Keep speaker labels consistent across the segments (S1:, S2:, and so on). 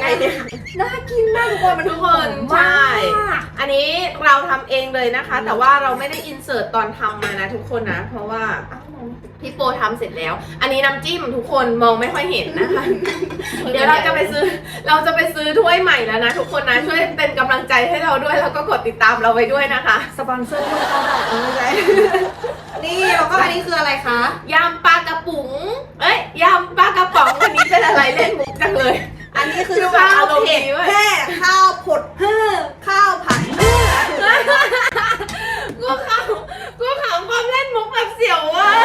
S1: เนี่ย
S2: น่ากินมากทุกคนมัน
S1: ทุกคน
S2: หอม
S1: ใช่
S2: มาก
S1: อันนี้เราทำเองเลยนะคะ แต่ว่าเราไม่ได้อินเสิร์ตตอนทำมานะทุกคนนะ เพราะว่าพี่โปทำเสร็จแล้ว อันนี้น้ำจิ้มทุกคนมองไม่ค่อยเห็นนะคะ เดี๋ยวเราจะไปซื้อถ้วยใหม่แล้วนะทุกคนนะช่วยเป็นกำลังใจให้เราด้วยแล้วก็กดติดตามเราไว้ด้วยนะคะ
S2: สปอนเซอร์ด้วยก็ได้ไม่ใช่นี่แล้วก็อันนี้คืออะไรคะ
S1: ยำปลากระป๋องยำปลากระป๋องวันนี้เป็นอะไรเล่นมุกจังเลย
S2: อันนี้คือ
S1: ชื่อว่า
S2: ข้าว
S1: อารมณ์
S2: เผ็ด
S1: ดีเว้ย
S2: แห่ข้าวผดเฮ่อข้าวผัดเฮ่อ
S1: กูขำความเล่นมุกแบบเสียวว่ะ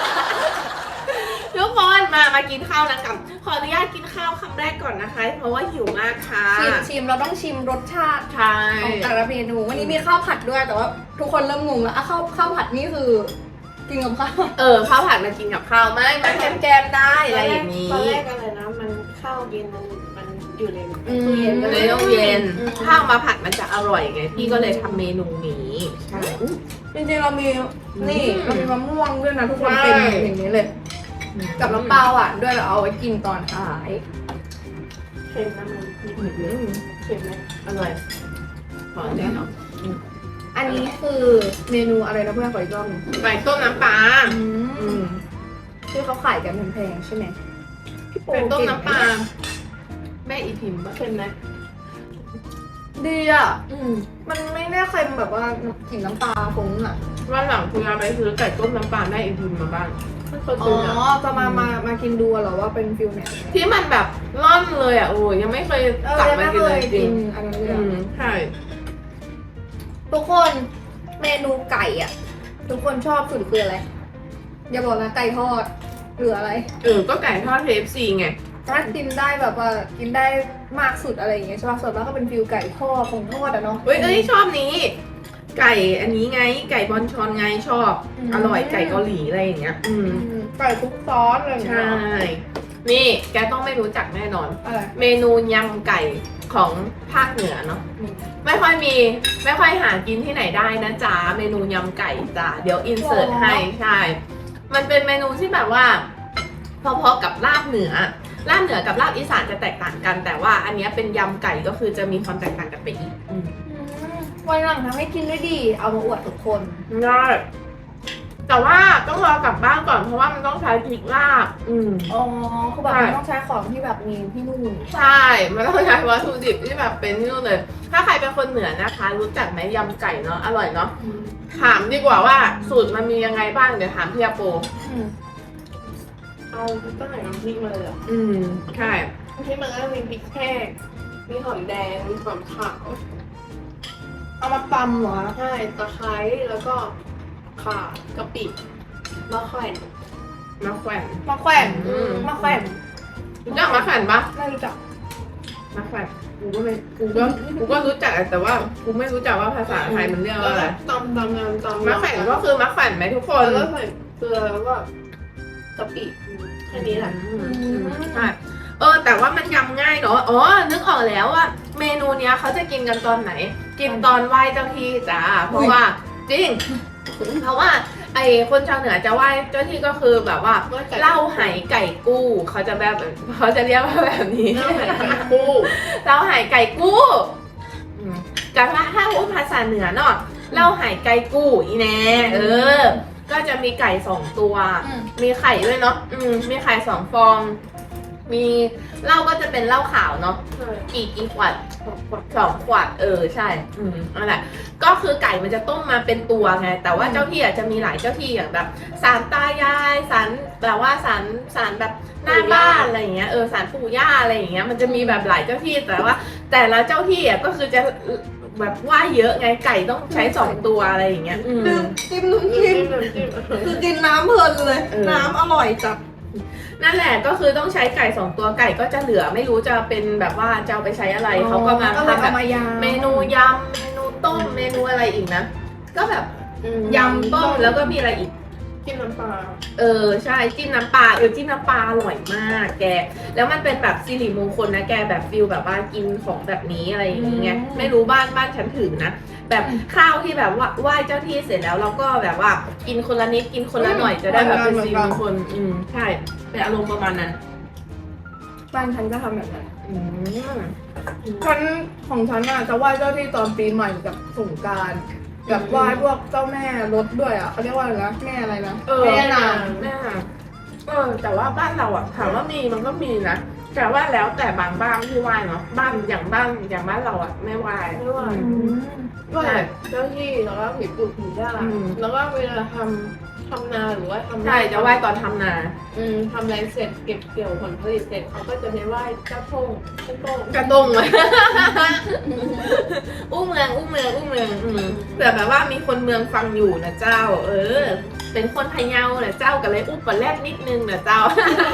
S1: ทุกคนมากินข้าวนะกับขออนุญาตกินข้าวคำแรกก่อนนะคะ เพราะว่าหิวมากค่ะ
S2: ชิมเราต้องชิมรสชาติ
S1: ใช่
S2: ของแต่ละเมนูวันนี้มีข้าวผัดด้วยแต่ว่าทุกคนเริ่มงงแล้วอ่ะข้าวผัดนี่คือกินกับข้าว
S1: ข้าวผัดมากินกับข้าวไหมมาแกมได้อะไรอย่างนี้
S3: ตอนแรกอะไรนะมันข้าวเย็นมันอยู่ใน
S2: อืม
S3: ตู้เย็นก็
S1: เล
S3: เลย ย
S1: ต้องเย็นข้าวมาผัดมันจะอร่อยไงพี่ก็เลยทำเมนูนี้ใช่
S2: จริงๆเรามีนี่
S1: อืม
S2: เรามีมะม่วงด้วยนะทุกคน
S1: ใช่
S2: เป็นอย่างนี้เลย กับน้ำปลาหวานด้วยเราเอาไว้กินตอนท้าย
S3: เค็มนะมันนิด
S1: อืม
S3: เค็มไหม
S1: อร่อยขอแน่นอน
S2: อันนี้คือเมนูอะไรนะเพื่อนขออีกรอบหนึง
S1: ไก่ต้มน้ำปลา
S2: อืมที่เขาขายกันแพงๆใช่ไหมพี่โป
S1: ไก่ต้ม
S2: เก่ง
S1: น้ำปลาแม่อีพิมพ์ปะ
S3: เค็มไหม
S2: ดีอ่ะมันไม่ได้เค็มแบบว่ากลิ่นน้ำปลาฟุ้งอ่ะ
S1: วันหลังคุณเอาไปซื้อไก่ต้มน้ำปลาแม่อีพิมพ์มาบ้าง
S3: ไม่เคย
S2: อ๋
S3: กิ
S2: อน
S3: อ่ะ
S2: จะมากินดูเหรอว่าเป็นฟิลไหน
S1: ที่มันแบบร่อนเลยอ่ะโอ้ยยังไม่เคยกลับมากินเลยจริง
S2: อันนั้นเลย
S1: ใช่
S2: ทุกคนเมนูไก่อ่ะ ทุกคนชอบสุดคืออะไรอย่าบอกนะไก่ทอดหรืออะไร
S1: ก็ไก่ทอด KFC ไง
S2: ถ้ากินได้แบบว่ากินได้มากสุดอะไรอย่างเงี้ยใช่ป่ะส่วนมากก็เป็นฟิลไก่ทอดผงทอดอะเนาะ
S1: เอ้ยชอบนี้ ไก่อันนี้ไง ไก่บอนชอนไงชอบ อร่อยไก่เกาหลีอะไรอย่างเงี้ย
S2: ไก่คลุกซอสอะไรอย่างเงี้
S1: ใช่
S2: ย
S1: นี่แกต้องไม่รู้จักแน่นอน
S2: อะไร
S1: เมนูยำไก่ของภาคเหนือเนาะไม่ค่อยหากินที่ไหนได้นะจ๊ะเมนูยำไก่จ้ะเดี๋ยวอินเสิร์ตให้ใช่ มันเป็นเมนูที่แบบว่า พอๆกับลาบเหนือกับลาบอีสานจะแตกต่างกัน แต่ว่าอันเนี้ยเป็นยำไก่ก็คือจะมีความแตกต่างกันไปอีก
S2: วันหลังทำให้กินได้ดี เอามาอวดทุกคน
S1: ได้แต่ว่าต้องรอกลับบ้านก่อนเพราะว่ามันต้องใช้พริกลาบ
S2: อ๋อคือแบบ
S1: ใช่
S2: มันต้องใช้ของที่แบบมีที่นู่น
S1: ใช่ มันต้องใช้วัตถุดิบที่แบบเป็นนี่เลย ถ้าใครเป็นคนเหนือนะคะ รู้จักไหมยำไก่เนาะ อร่อยเนาะ ถามดีกว่าว่าสูตรมันมียังไงบ้าง เดี๋ยวถามพี่อาโป
S3: เอาตั้งแต่น้ำพริกมาเลยเหรอ
S1: ใช่
S3: น้ำพริกมันก็จะมีพริกแห้งมีหอมแดงมีหอมขาว
S2: เอามาตำเหรอ
S3: ใช่ตะไคร้แล้วก็ข่ากะปิมะแขวน
S1: มะแขวน
S2: มาแขวน มาแขวน
S1: รู้จักมะแขวนปะ
S2: ไม่รู้จัก
S1: มะแขวนกูก็รู้จักแต่ว่ากูไม่รู้จักว่าภาษาไทยมันเรียกว่าอะไร
S3: ตำงานตำ
S1: มะแขวนก็คือมะแขวนไหมทุกคน
S3: แล้วก็ใส่เกลือแล้วก็กะปิแค่นี้แหละ
S1: ใช่แต่ว่ามันยำง่ายเนาะ อ๋อ นึกออกแล้วว่าเมนูเนี้ยเขาจะกินกันตอนไหน กินตอนไหว้เจ้าที่จ้า เพราะว่าจริง เพราะว่าไอ้คนชาวเหนือจะไหว้เจ้าที่ก็คือแบบว่าเหล้าไหไก่กู้เขาจะเรียกว่าแบบนี้
S3: เหล้าไหไก่กู้
S1: เหล้าไหไก่กู้แต่ถ้าพูดภาษาเหนือเนาะเหล้าไหไก่กู้อีแน่ก็จะมีไก่2 ตัว มีไข่ด้วยเนาะมีไข่2 ฟอง มีเหล้าก็จะเป็นเหล้าขาวเนาะ
S3: ใช่
S1: กี่ขวด2 ขวดใช่นั่นแหละก็คือไก่มันจะต้มมาเป็นตัวไงแต่ว่าเจ้าที่อาจจะมีหลายเจ้าที่อย่างแบบศาลตายายศาลแบบว่าศาลแบบหน้าบ้านอะไรอย่างเงี้ยศาลปู่ย่าอะไรอย่างเงี้ยมันจะมีแบบหลายเจ้าที่แต่ว่า แต่ละเจ้าที่ก็คือจะแบบว่าเยอะไงไก่ต้องใช้2 ตัวอะไรอย่างเงี้ย
S2: ดื่มจิ้มน้ำจิ้ม
S3: น้ำจิ้ม
S2: คือกินน้ำเพลินเลย น้ำอร่อยจัด
S1: นั่นแหละก็คือต้องใช้ไก่2 ตัวไก่ก็จะเหลือไม่รู้จะเป็นแบบว่าจะเอาไปใช้อะไรเขาก็มา
S2: ก็เลย
S1: ทำแบ
S2: เอา
S1: บ
S2: มายำ
S1: เมนูยำเมนูต้มเมนูอะไรอีกนะก็แบบ
S3: ย
S1: ยำต้มแล้วก็มีอะไรอีก
S3: จิ้มน้ำปลา
S1: ใช่จิ้มน้ำปลาจิ้มน้ำปลาอร่อยมากแกแล้วมันเป็นแบบสิริมงคลนะแกแบบฟิลแบบว่ากินของแบบนี้อะไรอย่างเงี้ยไม่รู้บ้านฉันถือนะแบบข้าวที่แบบว่าไหว้เจ้าที่เสร็จแล้วเราก็แบบว่ากินคนละนิดกินคนละหน่อยจะได้แบบเป็นสิริมงคลใช่เป็นอารมณ์ประมาณนั้น
S2: บ้านฉันก็ทำแบบนั้น
S1: อืม
S2: ฉันของฉันอ่ะจะไหว้เจ้าที่ตอนปีใหม่กับสงกรานต์กับไหว้พวกเจ้าแม่รถด้วยอ่ะเขาเรียกว่าอะไรนะแม่อะไรนะ
S1: แม่
S2: แม่นาง
S1: แม่แต่ว่าบ้านเราอะถามว่ามีมันก็มีนะแต่ว่าแล้วแต่บางบ้านที่ไหว้เนาะบ้านอย่างบ้านเราอะไม่ไหว้
S3: ไม่ไหว้
S1: อืม
S3: ไหว้เจ้าที่แล้วก็ผีปู่ผีย่า
S1: อืม
S3: แล้วก็เวลาทำนาหรือว่าทำ
S1: ใช่จะไหว้ตอนทำนา
S3: ทำอะไรเสร็จเก็บเกี่ยวผลผลิตเสร็จเขาก็จะไปไหว้เจ้าพ่งเจ้าโต้ง
S1: กระดงเลย อู้เมืองเผื่อแบบว่ามีคนเมืองฟังอยู่นะเจ้า เป็นคนพะเยานะเจ้าก็เลยอุ้มปลาแรดนิดนึงนะเจ้า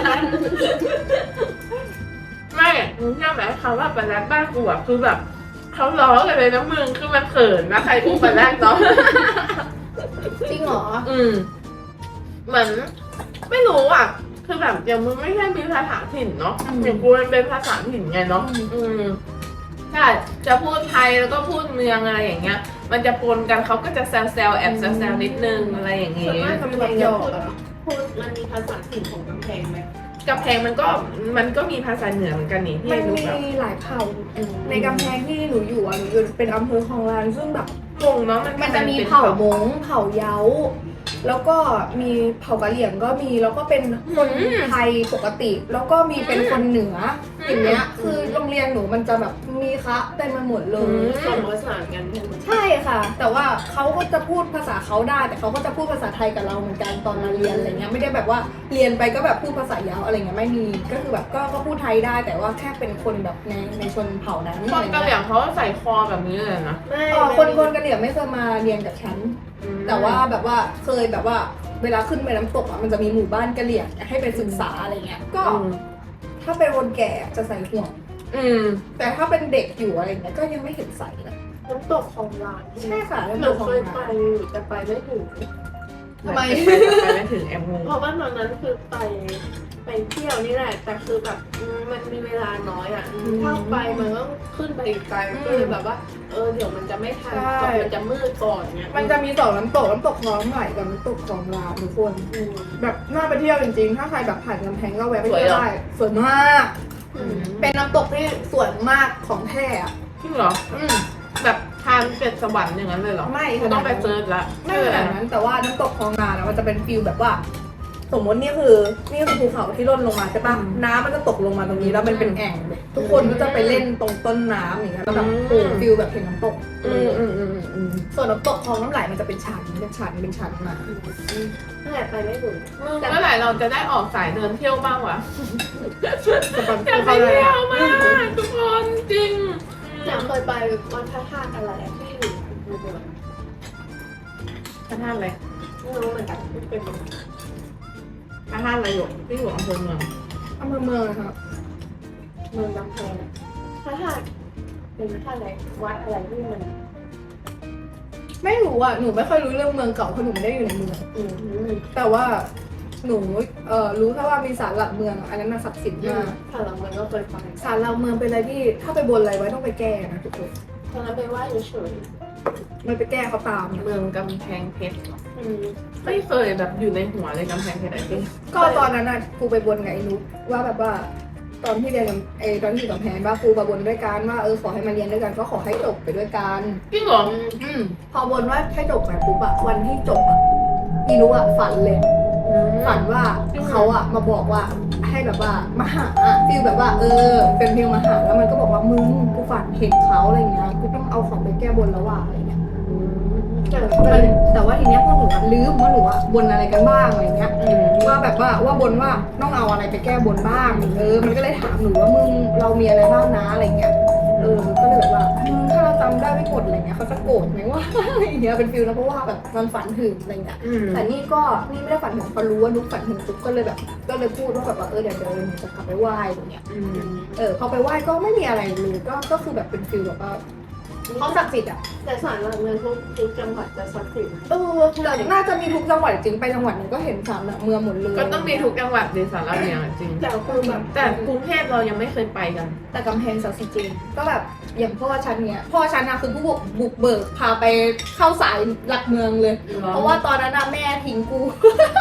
S1: ไม่มึงเชื่อไหมคำว่าปลาแรดบ้านกูอะคือแบบเขาล้อกันเลยนะมึงคือมันเขินนะใครอุ้มปลาแรดเนาะ
S2: จริงเหรอ
S1: เหมือนไม่รู้อ่ะ คือแบบอย่างมึงไม่ใช่มีภาษาถิ่นเนาะอย่างกูมันเป็นภาษาถิ่นไงเนาะใช่จะพูดไทยแล้วก็พูดเมืองอะไรอย่างเงี้ย มันจะปนกันเขาก็จะแซวแอบแซวนิดนึงอะไรอย่าง
S3: ส่วน
S1: งี้
S3: มากกำแพงจะพูดมันมีภาษาถิ่นของกำแพงไหม
S1: กำแพงมันก็มีภาษาเหนือเหมือนกันนี่ที่
S2: มัน
S1: รู้
S2: มี
S1: แบบ
S2: หลายเผ่าในกำแพงที่หนูอยู่อ่ะหนูอยู่เป็นอำเภอคลองลานซึ่งแบบ
S1: งงเนาะ
S2: มันจะมีเผ่ามงเผ่าเย้า แล้วก็มีเผ่ากะเหรี่ยงก็มีแล้วก็เป็นคนไทยปกติ แล้วก็มีเป็นคนเหนืออย่างเงี้ยคือโรงเรียนหนูมันจะแบบมีคะเต็มไปหมดเลย
S3: ผสมผสานกันใช่ไหม
S2: ใช่ค่ะ แต่ว่าเขาก็จะพูดภาษาเขาได้ แต่เขาก็จะพูดภาษาไทยกับเราเหมือนกันตอนมาเรียนอะไรเงี้ยไม่ได้แบบว่าเรียนไปก็แบบพูดภาษายาวอะไรเงี้ยไม่มีก็คือแบบก็พูดไทยได้ แต่ว่าแค่เป็นคนแบบในชนเผ่านั้น
S1: คนกะเหรี่ยงเขาใส่คอแบบนี้เลยนะ
S3: ไม่
S2: คนกะเหรี่ยงไม่เคยมาเรียนกับฉัน แต่ว่าแบบว่าเคยแบบว่าเวลาขึ้นไปน้ำตกอ่ะมันจะมีหมู่บ้านกะเหรี่ยงให้ไปศึกษาอะไรเงี้ยก็ถ้าเป็นคนแก่จะใส่ห่วงแต่ถ้าเป็นเด็กอยู่อะไรเงี้ยก็ยังไม่เห็นใส่เลย
S3: น้ำตกของร้าน
S2: ใช่ค่ะ
S3: ห
S2: แล้ว
S3: นู
S2: ของ
S3: เคยไปอยู่แต่ไปไม่ถึง
S2: ทำไม
S1: ไปไม่ถึงแอมงง
S3: เพราะว่าตอนนั้นคือไปเที่ยวนี่แหละ แต่คือแบบมันมีเวลาน้อยอ่ะถ้าไปมันก็ขึ้นไปอีกไกลก็เลยแบบว่าเดี๋ยวมันจะไม่ทันก่อนมันจะมืดก่อนเนี่ย
S2: มันจะมีสองน้ำตกคลองไหลกับน้ำตกคลองลาวทุกคนแบบน่าไปเที่ยวจริงๆ ถ้าใครแบบผ่านกำแพงก็แวะไปเที่ยวได้สวยมาก เป็นน้ำตกที่สวยมากของแท้อะ
S1: จริงเหรอ แบบทานเป็ดสวรรค์อย่างนั้นเลยเหรอ
S2: ไม่
S1: กูต้องไปเซิร์ชละ
S2: ไม่ขนาดนั้นแต่ว่าน้ำตกคลองนานะมันจะเป็นฟิลแบบว่า สมมตินี่คือภูเขาที่ร่นลงมาใช่ปะน้ำมันจะตกลงมาตรงนี้แล้วมันเป็นแอ่งเลยทุกคนก็จะไปเล่นตรงต้นน้ำอย่างเงี้ยแล้วแบบโอ้ฟิลแบบเห็นน้ำตก ส่วนน้ำตกคลองน้ำไหลมันจะเป็นชั้นมา
S3: นั่นแหละไปไม่ถึง
S1: เมื่อไหร่เราจะได้ออกสายเดินเที่ยวบ้างวะ
S2: จะเป็น
S1: อยากไปเที่ยวมากทุกคนจริง
S3: อยากเคยไปวันพระธาตุอะไรที่อยู่ในเมือง
S1: พระธาตุอะไร
S3: ไม่รู้เหมือนกันเป็น
S1: พระธาตุอะไรอยู่ที่อยู่อำเภอเมือง
S2: อำเภอเมืองนะครับ
S3: เมืองลำแพงพระธาตุเป็นพระธาตุอะไรวัดอะไรที่มัน
S2: ไม่รู้อ่ะหนูไม่ค่อยรู้เรื่องเมืองเก่าเพราะหนูไม่ได้อยู่ในเมืองแต่ว่าหนูรู้แค่ว่ามีศาลหลักเมืองอะอันนั้นน่ะศักดิ์สิทธิ์มาก
S3: ถ้าหลังมันก็เคยไป
S2: ศาลหลักเมืองเป็นอะไรที่ถ้าไปบนอะไรไว้ต้องไปแก้นะทุกคน
S3: ตอนนั้นไปไหว้เฉย
S2: มันไปแก้เขาตาม
S1: เมืองกำแพงเพชรเหรอ
S3: ๆ
S1: ไม่เคยแบบอยู่ในหัวเลยกำแพงเพชรอะไรที่
S2: ก็ตอนนั้นน่ะครูไปบนกับไอ้นุ๊กว่าแบบว่า ตอนที่เรียนกับตอนที่อยู่กับแพนว่าครูมาบนด้วยกันว่าขอให้มาเรียนด้วยกันก็ขอให้จบไปด้วยกัน
S1: จริงเหรอ
S2: พอบนว่าให้จบไปปุ๊บอะวันที่จบอะอีนุ๊กอะฝันเลย ฝันว่าเขาอะมาบอกว่าให้แบบว่ามาหาฟิลแบบว่าเป็นฟิลมาหาแล้วมันก็บอกว่ามึงกูฝันเห็นเขาอะไรเงี้ยกูต้องเอาของไปแก้บนแล้วว่ะอะไรเงี้ยแต่ว่าทีเนี้ยพวกหนูอะลืมว่าหนูอะบนอะไรกันบ้างอะไรเงี้ยว่าแบบว่าบนว่าต้องเอาอะไรไปแก้บนบ้างมันก็เลยถามหนูว่ามึงเรามีอะไรบ้างนะอะไรเงี้ยก็เลยแบบว่าถ้าเราจำได้ไม่หมดอะไรเงี้ยเขาจะโกรธไหมว่าอะไรเงี้ยเป็นฟิลนะเพราะว่าแบบมันฝันถึงอะไรเงี้ยแต่นี่ไม่ได้ฝันถึงพอรู้ว่านุ๊กฝันถึงปุ๊บก็เลยพูดว่าแบบว่าเดี๋ยวหนูจะกลับไปไหว้อะไรเงี้ยพอไปไหว้ก็ไม่มีอะไรเลยก็คือแบบเป็นฟิลแบบว่าเขาศักดิ์สิทธิ์อ่ะ
S3: แต่ศาลหลักเมืองทุกจังหวัดจะศักดิ์สิทธิ์
S2: แต่น่าจะมีทุกจังหวัดจริงไปจังหวัดไหนก็เห็นศาลหลักเมืองหมดเลย
S1: ก็ต้องมีทุกจังหวัดในสารเมียงจริง
S3: แต่คือแบบ
S1: แต่กรุงเทพเรายังไม่เคยไปกัน
S2: แต่กำแพงศักดิ์สิทธิ์จริงก็แบบอย่างพ่อฉันเนี่ยพ่อฉันนะคือผู้บุกเบิกพาไปเข้าสายหลักเมืองเลย เพราะว่าตอนนั้นน่ะแม่ทิ้งกู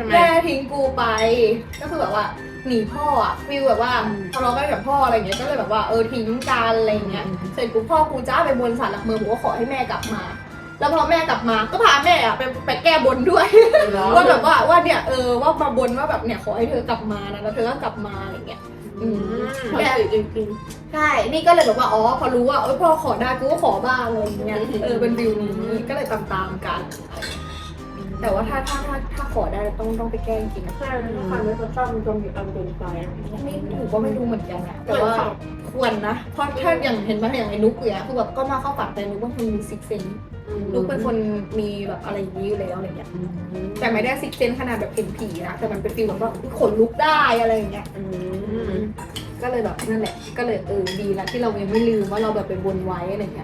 S1: ช่ไหม
S2: แม่ทิ้งกูไปก็คือแบบว่าหนีพ่ออะฟีลแบบว่าทะเลาะกันกับพ่ออะไรเงี้ยก็เลยแบบว่าทิ้งกันอะไรเงี้ยเสร็จกูพ่อกูจ้าไปบนศาลหลักเมืองผมก็ขอให้แม่กลับมา แล้วพอแม่กลับมาก็พาแม่อะไปแก้บนด้วย ว่าแบบว่าเนี่ยว่ามาบนว่าแบบเนี่ยขอให้เธอกลับมานะแล้วเธอก็กลับมาอะไรเงี้ย
S3: แม่จริง
S2: ใช่นี่ก็เลยแบบว่าพอรู้ว่าพ่อขอได้กูก็ขอบ้างอะไรอย่างเงี้ยเป็นวิวนี้ก็เลยตามกัน แต่ว่าถ้าขอได้ต้องไปแก้จริงๆนะ
S3: ๆใช่ถ้าคันไม่เขาชอบมันจะมีอันเป็นไฟ
S2: ไม่หนูก็ไม่รู้เหมือนกันนะแต่ว่าควรนะเพราะถ้าอย่างเห็นไหมอย่างไอ้นุ๊กเนี่ยคือแบบก็มาเข้าฝันแต่นุ๊กเป็นคนมีซิกเซนนุ๊กเป็นคนมีแบบอะไรอย่างนี้อยู่แล้วอะไรเงี้ยแต่ไม่ได้ซิกเซนขนาดแบบเห็นผีนะแต่มันเป็นฟีลแบบว่าขนลุกได้อะไรอย่างเงี้ยก็เลยแบบนั่นแหละก็เลยดีละที่เรายังไม่ลืมว่าเราแบบไปบนไว้อะไรเงี้ย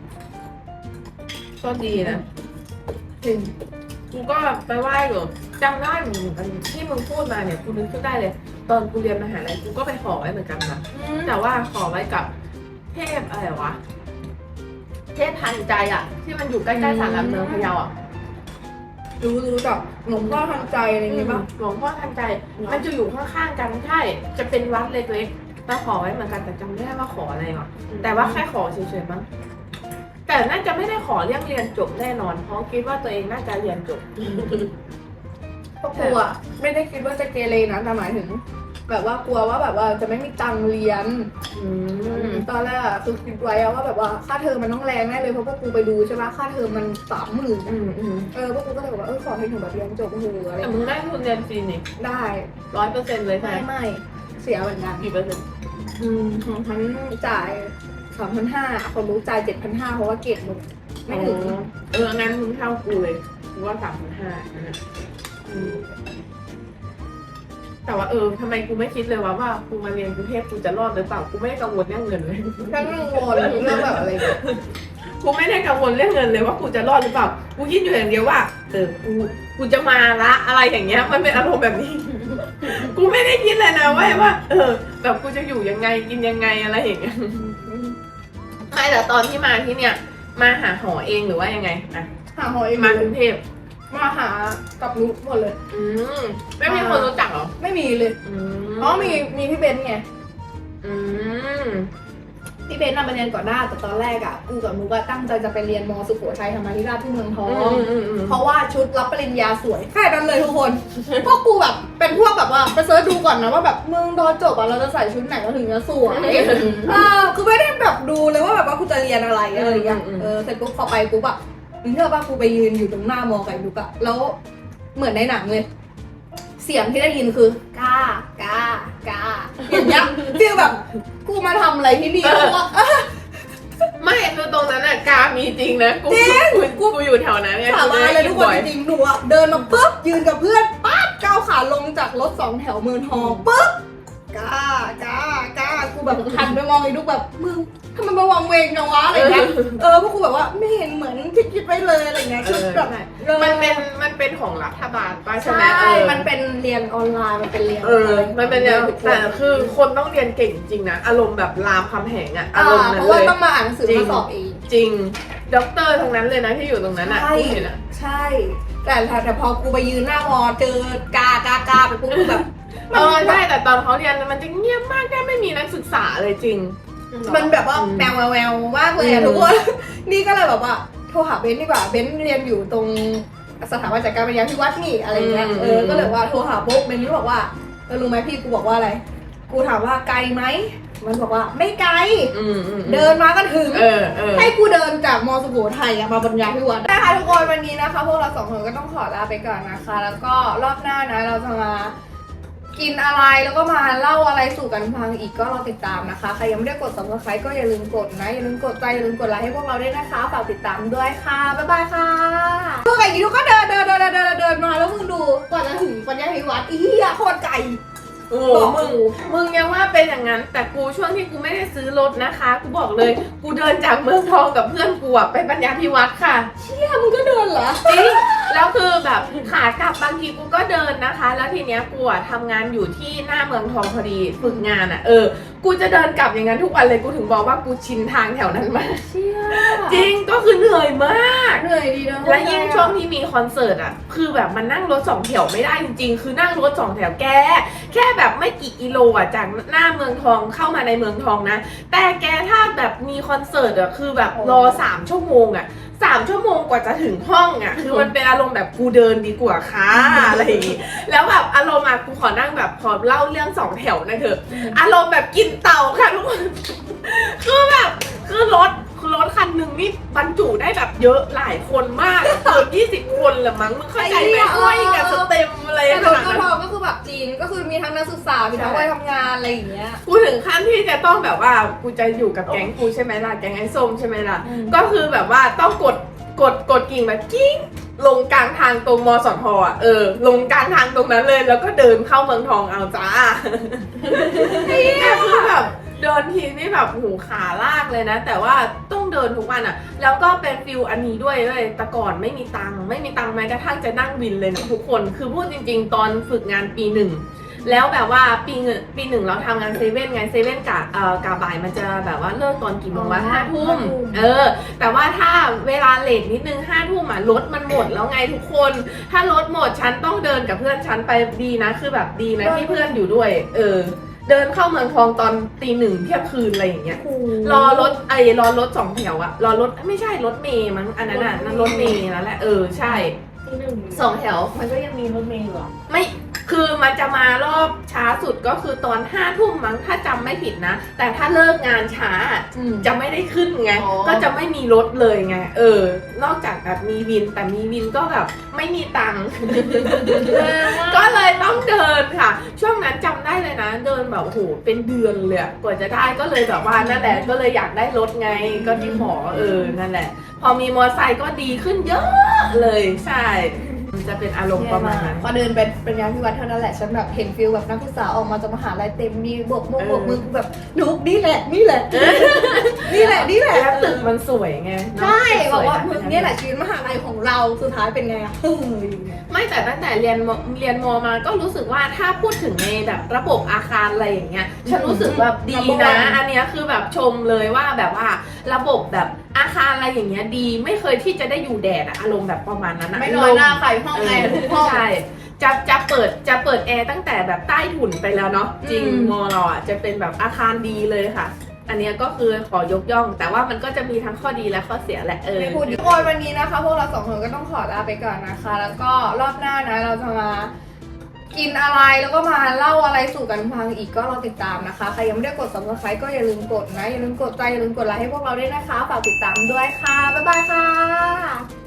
S1: ก็ดีนะ
S2: จริง
S1: กูก็ไปไหว้อยู่จำได้เหมือนกันที่มึงพูดมาเนี่ยกูนึกขึ้นได้เลย ตอนกูเรียนมหาลัยกูก็ไปขอไว้เหมือนกันนะแต่ว่าขอไว้กับเทพอะไรวะเทพทันใจอ่ะ ที่มันอยู่ใกล้ๆศาลหลักเมืองพะเยาอ่ะ
S2: รู้จักหลวงพ่อทันใจอะไรอย่างเงี้ยป่ะ
S1: หลวงพ่อทันใจ มันจะอยู่ข้างๆกันใช่จะเป็นวัดเล็กๆแต่ขอไว้เหมือนกันแต่จำไม่ได้ว่าขออะไรหรอกแต่ว่าแค่ขอเฉยๆมั้งแต่น่าจะไม่ได้ขอเรื่องเรียนจบแน่นอน เพราะคิดว่าตัวเองน่าจะเรียนจบ
S2: ก็กลัวไม่ได้คิดว่าจะเกเรนะแต่หมายถึง แบบว่ากลัวว่าแบบว่าจะไม่มีตังค์เรียนตอนแรกอะคือคิดไว้อะว่าแบบว่าค่าเทอมมันต้องแรงแน่เลยเพราะพวกกูไปดูใช่ปะค่าเทอมมัน30,000พวกกูก็เลยบอกว่าขอให้หนูแบบเรียนจบอะไร
S1: แต่มึงได้ทุนเรียนฟรีนี่
S2: ได้
S1: 100%เลยใช่ไหม
S2: ไม่เสียเหมือนกัน
S1: กี่เปอร์เซ็นต์
S2: ของฉันจ่าย3,500คนรู้จ่าย7,500เพราะว่าเกรดหนูไม่ถึง
S1: งั้นมึงเท่ากูเลยกูว่า3,500นะแต่ว่าทำไมกูไม่คิดเลยว่ากูมาเรียนกรุงเทพกูจะรอดหรือเปล่ากูไม่ได้กังวลเรื่องเงินเลย
S2: ฉันกังวลเรื่องแบบอะไรอย่างเงี้ย
S1: กูไม่ได้กังวลเรื่องเงินเลยว่ากูจะรอดหรือเปล่ากูคิดอยู่อย่างเดียวว่ากูจะมาละอะไรอย่างเงี้ยมันเป็นอารมณ์แบบนี้ กูไม่ได้คิดเลยนะว่าแบบกูจะอยู่ยังไงกินยังไงอะไรอย่างเงี้ยไม่แต่ตอนที่มาที่เนี่ยมาหาหอเองหรือว่ายังไงอะ
S2: หาหอเอง
S1: มากรุงเทพ
S2: มาหากับนุ๊กหมดเลย
S1: ไม่มีคนรู้จักเหรอ
S2: ไม่มีเลยเพราะมีพี่เบนซ์ไงพี่เบนซ์มาเรียนก่อนหน้าแต่ตอนแรกอ่ะกูกับนุ๊กตั้งใจจะไปเรียนม.สุโขทัยธรรมาธิราชที่เมืองทองเพราะว่าชุดรับปริญญาสวยแค่นั้นเลยทุกคนพวกกูแบบเป็นพวกแบบว่าไปเสิร์ชดูก่อนนะว่าแบบมึงตอนจบอ่ะเราจะใส่ชุดไหนเราถึงจะสวยคือไม่ได้แบบดูเลยว่าแบบว่ากูจะเรียนอะไรอะไรอย่างเงี้ยเสร็จปุ๊บพอไปปุ๊บอ่ะมึงเชื่อป่ะกูไปยืนอยู่ตรงหน้ามอกับนุ๊กอ่ะแล้วเหมือนในหนังเลยเสียงที่ได้ยินคือกากอย่างเงี้ยฟีลแบบกูมาทำอะไรที่นี่เพราะว่า
S1: ไม่คือตรงนั้นอะกามีจริงนะกูอยู่แถวนั้นไง
S2: สาบานเลยทุกคนจริงๆหนูอะเดินมาปุ๊บยืนกับเพื่อนปั๊บก้าวขาลงจากรถ2 แถวเมืองทองปุ๊บกากูแบบหันไปมองไอ้ลูกแบบมึงทำไมมาวางเวงจังวะอะไรเงี้ยพวกกูแบบว่าไม่เห็นเหมือนที่คิดไว้เลยอะไรเงี้ยชุดแบบ
S1: มันเป็นของรัฐบาลป่ะใช่
S2: ใช่
S1: ไหม
S2: มันเป็นเรียนออนไลน์มันเป็นเรียน
S1: มันเป็นเนี่ยแต่คือคนต้องเรียนเก่งจริงนะอารมณ์แบบรามคำแหงอะอารมณ์นั้น
S2: เพราะ
S1: เล
S2: ว่าย ต้องมาอ่านหนังสือมาสอบเอง
S1: จริงด็อกเตอร์ทั้งนั้นเลยนะที่อยู่ตรงนั้นอะ
S2: ใช่
S1: กูเห็นอะ
S2: ใช่แต่พอกูไปยืนหน้ามอเจอกาไปปุ๊บกูแบบ
S1: ใช่แต่ตอนเขาเรียนมันจะเงียบมากแค่ไม่มีนักศึกษาเลยจริง
S2: มันแบบว่าแววมากเลยอะทุกคน นี่ก็เลยแบบว่าโทรหาเบนซ์ดีกว่าเบนซ์เรียนอยู่ตรงสถาบันจัดการปัญญาพิวัฒน์นี่อะไรเงี้ยก็เลยว่าโทรหาปุ๊บเบนซ์ก็บอกว่ารู้ไหมพี่กูบอกว่าอะไรกูถามว่าไกลไหมมันบอกว่าไม่ไกลเดินมาก็ถึงให้กูเดินจากมอสุโขทัยมาปัญญาพิวัฒน์นะคะทุกคนวันนี้นะคะพวกเรา2 คนก็ต้องขอลาไปก่อนนะคะ แล้วก็รอบหน้านะเราจะมากินอะไรแล้วก็มาเล่าอะไรสู่กันฟังอีกก็รอติดตามนะคะใครยังไม่ได้กด subscribe ก็อย่าลืมกดนะอย่าลืมกดใจอย่าลืมกดไลค์ให้พวกเราด้วยนะคะฝากติดตามด้วยค่ะบ๊ายบายค่ะพวกไก่กี่ทุกก็เดินมาแล้วมึงดูก่อนจะถึงปัญญาพิวัฒน์อีเหี้ยโคตรไกล
S1: โอ้
S2: บอก
S1: มึงยังว่าเป็นอย่างนั้น แต่กูช่วงที่กูไม่ได้ซื้อรถนะคะ กูบอกเลย กูเดินจากเมืองทองกับเพื่อนกูอะไปปัญญาพิวัตรค่ะ
S2: เนี่ยมึงก็เดินเหรอ
S1: จริง แล้วคือแบบขากลับบางทีกูก็เดินนะคะ แล้วทีเนี้ยกูอะทำงานอยู่ที่หน้าเมืองทองพอดีฝึกงานอะกูจะเดินกลับอย่างนั้นทุกวันเลย กูถึงบอกว่ากูชินทางแถวนั้นมาก
S2: เชี่ย
S1: จริง ก็คือเหนื่อยมาก
S2: เหนื่อยดีนะ
S1: และยิ่งช่วงที่มีคอนเสิร์ตอ่ะ คือแบบมันนั่งรถ2 แถวไม่ได้จริงๆ คือนั่งรถ2 แถวแค่แบบไม่กี่กิโลอ่ะจากหน้าเมืองทองเข้ามาในเมืองทองนะ แต่แกถ้าแบบมีคอนเสิร์ตอ่ะ คือแบบรอ3 ชั่วโมงอ่ะ3 ชั่วโมงกว่าจะถึงห้องอ่ะ คือมันเป็นอารมณ์แบบกูเดินดีกว่าค่ะอะไรอย่างงี้ แล้วแบบอารมณ์อ่ะกูขอนั่งแบบพอเล่าเรื่อง2 แถวนะเถอะ อารมณ์แบบกินเตาค่ะทุกคน คือแบบคือรถคันหนึ่งนี่บรรจุได้แบบเยอะหลายคนมากเกือบ20 คนละมั้งมึงเข้าใจไหมห้อยกับสเต็มอะไร
S2: แต่
S1: ข
S2: รถ
S1: นาด
S2: ก็
S1: นั้น
S2: พอก็คือแบบจีนก็คือมีทั้งนักศึกษา มีทั้งวัยทำงานอะไรอย่างเงี้ย
S1: กูถึงขั้นที่จะต้องแบบว่ากูจะอยู่กับแก๊งกูใช่ไหมล่ะแก๊งไอ้ส้มใช่ไหมล่ะ
S2: อืม
S1: ก็คือแบบว่าต้องกดกิ่งแบบกิ้งลงกลางทางตรงมสทอ่ะลงกลางทางตรงนั้นเลย แล้วก็เดินเข้าเมืองทองเอาจ้าเนี่ยคือแบบเดินทีนี่แบบหูขาลากเลยนะ แต่ว่าต้องเดินทุกวันอ่ะ แล้วก็เป็นฟิลอันนี้ด้วยเลยแต่ก่อนไม่มีตังค์แม้กระทั่งจะนั่งวินเลยนะทุกคนคือพูดจริงๆ ตอนฝึกงานปี 1แล้วแบบว่าปีหนึ่งเราทำงานเซเว่นไงเซเว่นกะบ่ายมันจะแบบว่าเลิกตอนกี่โมงวะ5 ทุ่มแต่ว่าถ้าเวลาเลทนิดนึง5 ทุ่มอ่ะรถมันหมดแล้วไงทุกคน ถ้ารถหมดฉันต้องเดินกับเพื่อนฉันไปดีนะคือแบบดีนะที่เพื่อนอยู่ด้วยเดินเข้าเมืองทองตอนตี 1เที่ยงคืนอะไรอย่างเงี้ยรอรถ2 แถวอะรอรถไม่ใช่รถเมย์มั้งอันนั้นน่ะนั่นรถเมย์นั่นแหละใช่2 แถว
S3: มันก็ยังมีรถเมล์เหรอ
S1: ไม่คือมันจะมารอบช้าสุดก็คือตอน5 ทุ่มมั้งถ้าจำไม่ผิดนะ แต่ถ้าเลิกงานช้าจะไม่ได้ขึ้นไง
S3: อ๋อ
S1: ก็จะไม่มีรถเลยไงนอกจากแบบมีวินแต่มีวินก็แบบไม่มีตังค์ ก็เลยต้องเดินค่ะ ช่วงนั้นจำได้เลยนะ เดินแบบโอ้โหเป็นเดือนเลยอะกว่าจะได้ก็เลยแบบว่านั่นแหละก็เลยอยากได้รถไงก็ที่ขอนั่นแหละ พอมีมอเตอร์ไซค์ก็ดีขึ้นเยอะเลยใช่มันจะเป็นอารมณ์ประมาณนั้น
S2: พอเดินไปเป็นงานที่วัดเท่านั้นแหละฉันแบบเห็นฟิลแบบนักศึกษาออกมาจากมหาลัยเต็มมีบวกมือกูแบบนุกนี่แหละนี่แหละ นี่แหละ
S1: แล้วตึกมันสวยไง
S2: ใช่บอกว่า
S1: ตึ
S2: มึ
S1: ส
S2: ง
S1: ย
S2: เนี่ยแหละชีวิตมหาลัยของเราสุดท้ายเป็นไงอะอย่างเงี้ย
S1: ไม่แต่ตั้งแต่เรียนมมาก็รู้สึกว่าถ้าพูดถึงในแบบระบบอาคารอะไรอย่างเงี้ยฉันรู้สึกแบบดีนะ อันเนี้ยคือแบบชมเลยว่าแบบว่าระบบแบบอาคารอะไรอย่างเงี้ยดีไม่เคยที่จะได้อยู่แดดอะอารมณ์แบบประมาณนั้นอะ
S2: ไม่น้อยหน้าใครห้องแอร์ทุกห้อง
S1: ใช่จะเปิดแอร์ตั้งแต่แบบใต้ถุนไปแล้วเนาะจริง
S2: อืม
S1: มอเราอ่ะจะเป็นแบบอาคารดีเลยค่ะ อันเนี้ยก็คือขอยกย่อง แต่ว่ามันก็จะมีทั้งข้อดีและข้อเสียแหละ
S2: ไม่พูดทุกคนวันนี้นะคะ พวกเรา2 คนก็ต้องขอลาไปก่อนนะคะ แล้วก็รอบหน้านะเราจะมากินอะไรแล้วก็มาเล่าอะไรสู่กันฟังอีกก็รอติดตามนะคะใครยังไม่ได้กด subscribe ก็อย่าลืมกดนะอย่าลืมกดใจอย่าลืมกดไลค์ให้พวกเราด้วยนะคะฝากติดตามด้วยค่ะบ๊ายบายค่ะ